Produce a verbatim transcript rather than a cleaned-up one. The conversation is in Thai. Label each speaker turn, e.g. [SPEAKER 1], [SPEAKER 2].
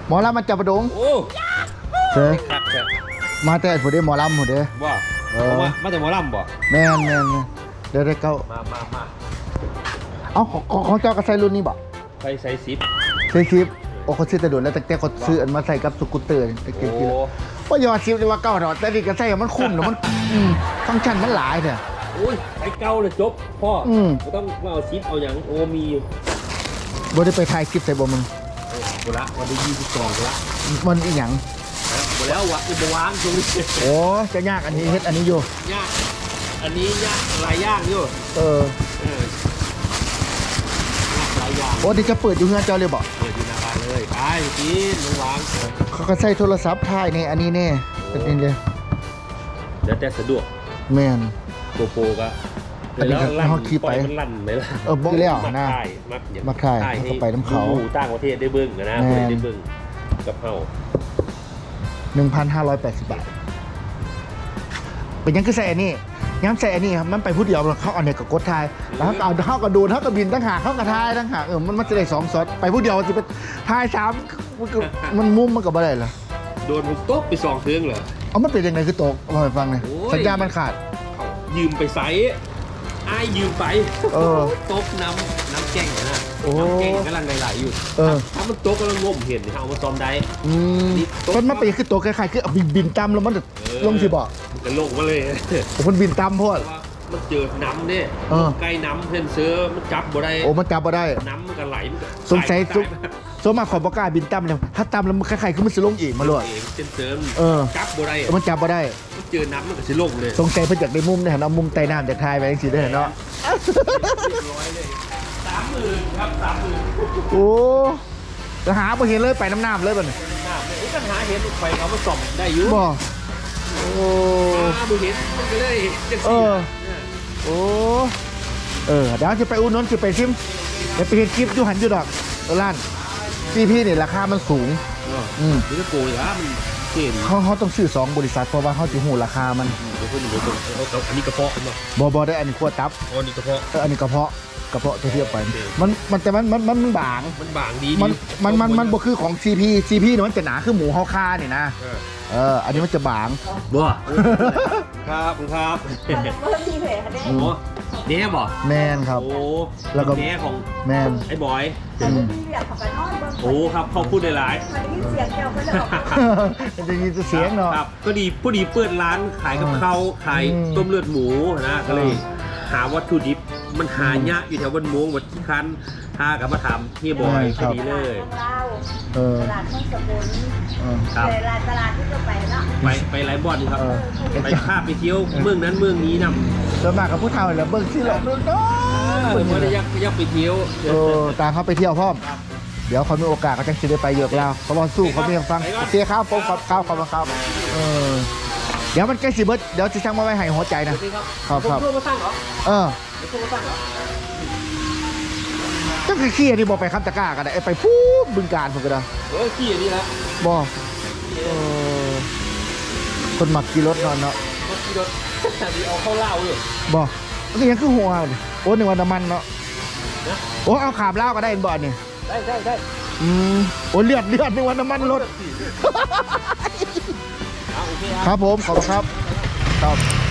[SPEAKER 1] หมอลำมันจับประดง
[SPEAKER 2] โอ้
[SPEAKER 1] เจ้
[SPEAKER 2] ครับเจ้
[SPEAKER 1] มาแต่ผู้เด้หมอลำผู้เด้
[SPEAKER 2] บ่เออมาแต่หมอลำบ่
[SPEAKER 1] แม่นแม่นเดี๋ยวได้เก้า
[SPEAKER 2] มามามา
[SPEAKER 1] เอ้าของของเจ้ากระใส่รุ่นนี้บ่
[SPEAKER 2] ใส่ใส่ซิป
[SPEAKER 1] ใส่ซิปโอ้เขาซื้อแต่โดนแล้วแต่แต่เขาซื้ออันมาใส่กับสกูตเตอร์ตะเกียบกินว่าอย่าซิปเลยว่าเก้าดอกแต่นี่กระใส่มันคุ้มเนาะมันฟังก์ชันมันหลายเถอะ
[SPEAKER 2] โอ้ยไอ้เก้าเลยจบพ่อไม่ต้องมาเอาซิปเอาอย่างโอ้มี
[SPEAKER 1] บ่ได้ไปถ่ายคลิปใส่บ่มึง
[SPEAKER 2] โอ้ละวันที่ยี่สิบสองละ
[SPEAKER 1] มันอีหยัง
[SPEAKER 2] หมดแล้ววะอีกวางตรงนี้
[SPEAKER 1] โอ้จะยากอันนี้เฮ็ดอันนี้อยู่
[SPEAKER 2] ยากอันนี้ยากหลายย่างอยู่
[SPEAKER 1] เออ
[SPEAKER 2] หลายอย่าง
[SPEAKER 1] โอ้ที่จะเปิดอยู่เฮือนเจ้าเลยบ่
[SPEAKER 2] เปิดอยู่หน้าบ้านเลยไปกินลงวาง
[SPEAKER 1] เขาก็ใส่โทรศัพท์ถ่ายในอันนี้แน่เป็นนี่เลย
[SPEAKER 2] เดี๋ยวแต่สะดวก
[SPEAKER 1] แม่น
[SPEAKER 2] โกโปก็
[SPEAKER 1] อันนี้ก็เฮาขี่ไป
[SPEAKER 2] มันลั่นไหมล่ะ
[SPEAKER 1] เออบ่แล้วนะ
[SPEAKER 2] มักอย่าง
[SPEAKER 1] มักถ่ายเขาไปน้ำเขา
[SPEAKER 2] ต่างประเทศได้เบิ่งนะได้เบิ่งกับเฮา
[SPEAKER 1] หนึ่งพันห้าร้อยแปดสิบบาทเป็นยังคือใส่อันนี้ย้ำใส่อันนี้ครับมันไปพูดเดียวเขาเอาเนี่ยกับกดทายแล้วเขาเอาเขากับดูเขากับบินตั้งหากเขากับทายตั้งหากเออมันมันจะได้สองซอสไปพูดเดียวจะเป็นทายสามมันมุมมันกับอะไรล่ะ
[SPEAKER 2] โดนผมตกไปสองเทืองเลย
[SPEAKER 1] เอามันเป็นยังไงคือตกลองไปฟังหน่อยสัญญามันขาด
[SPEAKER 2] ยืมไปใส่ไอ้ยืมไปตกน้ำน้ำแกงนะน้ำแกงกำลังไหลๆอยู่ถ้ามันตกกำลังงมเห็นเอามาซ้อมได้
[SPEAKER 1] มันมันเป็นคือตกคล้ายๆคือบินบินตำแล้วมันลงสิบ่
[SPEAKER 2] มันจะลงมาเลย
[SPEAKER 1] มันบินตำเพราะ
[SPEAKER 2] มันเจอน้ำเนี่ยใกล้น้ำเพื่อนเสือมันจับบ่ได้
[SPEAKER 1] โอ้มันจับบ่ได้
[SPEAKER 2] น้ำมันก็ไหล
[SPEAKER 1] สงสัยสมมาขอบอกล้าบินตำเลยถ้าตำแล้วมันคล้ายๆคือมันสิลงอีกมาเลย
[SPEAKER 2] เส้นเสริมจับบ่ได้
[SPEAKER 1] มันจับบ่ได้
[SPEAKER 2] เจอน้ำมันก็สิลงเลย
[SPEAKER 1] สงสัยเพิ่นอยากได้มุมเนี่ยเอามุมใต้น้ำจากทายไปจังซี่ได้เนาะ
[SPEAKER 2] สามหมื่นครับสามหมื่น
[SPEAKER 1] โอ้จะหาบ่เห็นเลยไปน้ำน้ำเลยบ่เนี่ย
[SPEAKER 2] น้ำเนี่ยก็หาเห็นไปเขามาส่องได้อยู่
[SPEAKER 1] บ่โอ้
[SPEAKER 2] หาบ่เห็นมันก็เลย
[SPEAKER 1] เออโอ้เออเดี๋ยวจะไปอุ่นนนจะไปซิมเดี๋ยวไปเห็นคลิปอยู่หันอยู่ดอกร้านซีพีนี่ราคามันสูง
[SPEAKER 2] อืมนี่ก็โกยอ่ะมันเก่ง
[SPEAKER 1] เขาเขาต้องซื้อสองบริษัทเพราะว่าเขาจะหูราคามัน
[SPEAKER 2] เดี๋ยวเพิ่นเดี๋ยวเพิ่นเอาอันนี้กระเพาะเนาะ
[SPEAKER 1] บ่บ่ได้อันนี้ขั้วตับ
[SPEAKER 2] อ๋อนี่กระเพาะ
[SPEAKER 1] เอออันนี้กระเพาะกระเพาะเทียบไปมันมันแต่มันมันมันบาง
[SPEAKER 2] มันบางดี
[SPEAKER 1] มันมันมันมันบ่คือของ ซี พี ซี พี เนี่ยมันจะหนาคือหมูเฮาคาเนี่ยนะเอออันนี้มันจะบาง
[SPEAKER 2] บ่ครับครับ
[SPEAKER 3] เพิ่มทีเพจค่ะ
[SPEAKER 2] โอ้เน่บ่
[SPEAKER 1] แมนครับ
[SPEAKER 2] โอ้
[SPEAKER 1] แล้วก็
[SPEAKER 2] เน่ของ
[SPEAKER 1] แมน
[SPEAKER 2] ไอ้บอย
[SPEAKER 3] โอ้
[SPEAKER 2] ครับเขาพูดได้หลาย
[SPEAKER 3] เสียงเดียวก็
[SPEAKER 1] จะจะยินเสียงเนาะ
[SPEAKER 2] ครับก็ดีผู้ดีเปิดร้านขายกับเขาขายต้มเลือดหมูนะก็เลยหาวัตถุดิบมันหายากอยู่แถวบนม้งวัดที่คันถ้ากับมาทำที่บอยพอดีเลย
[SPEAKER 3] ตลาดต้นสกุลตลาดตลาดที่จะไปเนาะ
[SPEAKER 2] ไปไปไลฟ์บอลครับไปภาพไปเที่ยวเมืองนั้นเมืองนี้นำ
[SPEAKER 1] ส่วนมากกับผู้เฒ่าแล้วเบิ่งที่หลอกเนาะ
[SPEAKER 2] เมืองว่ายักยักไปเที่ยว
[SPEAKER 1] เออตามเขาไปเที่ยวพ่อมเดี๋ยวเขามีโอกาสเขาจะจะได้ไปเยอะแล้วเขาบอลสู้เขาไม่ยอมฟังเสียข้าวโป๊กข้าวข้าวข้าวเออเดี๋ยวมันใกล้สิเบิร์ดเดี๋ยวจะช่างมาไว้ให้หัวใจนะครับครับเออก็คือขี้อันนี้บอกไปคำตะก้ากันนะไอ้ไปฟูบึงการผมก็ได้
[SPEAKER 2] เออขี้อันนี้ละ
[SPEAKER 1] บอกคนหมักกี่รถนอนเนาะ
[SPEAKER 2] กี่รถแต่ดีเอาเข้าเล่าอยู่
[SPEAKER 1] บอกมันยังคือหัวโอ้หนึ่งวันน้ำมันเนาะโอ้เอาขาบเล่าก็ได้บ่อนนี่
[SPEAKER 2] ได้ได้ได้
[SPEAKER 1] อืมโอ้เลือดเลือดหนึ่งวันน้ำมันรถครับผมขอบคุณครับครับ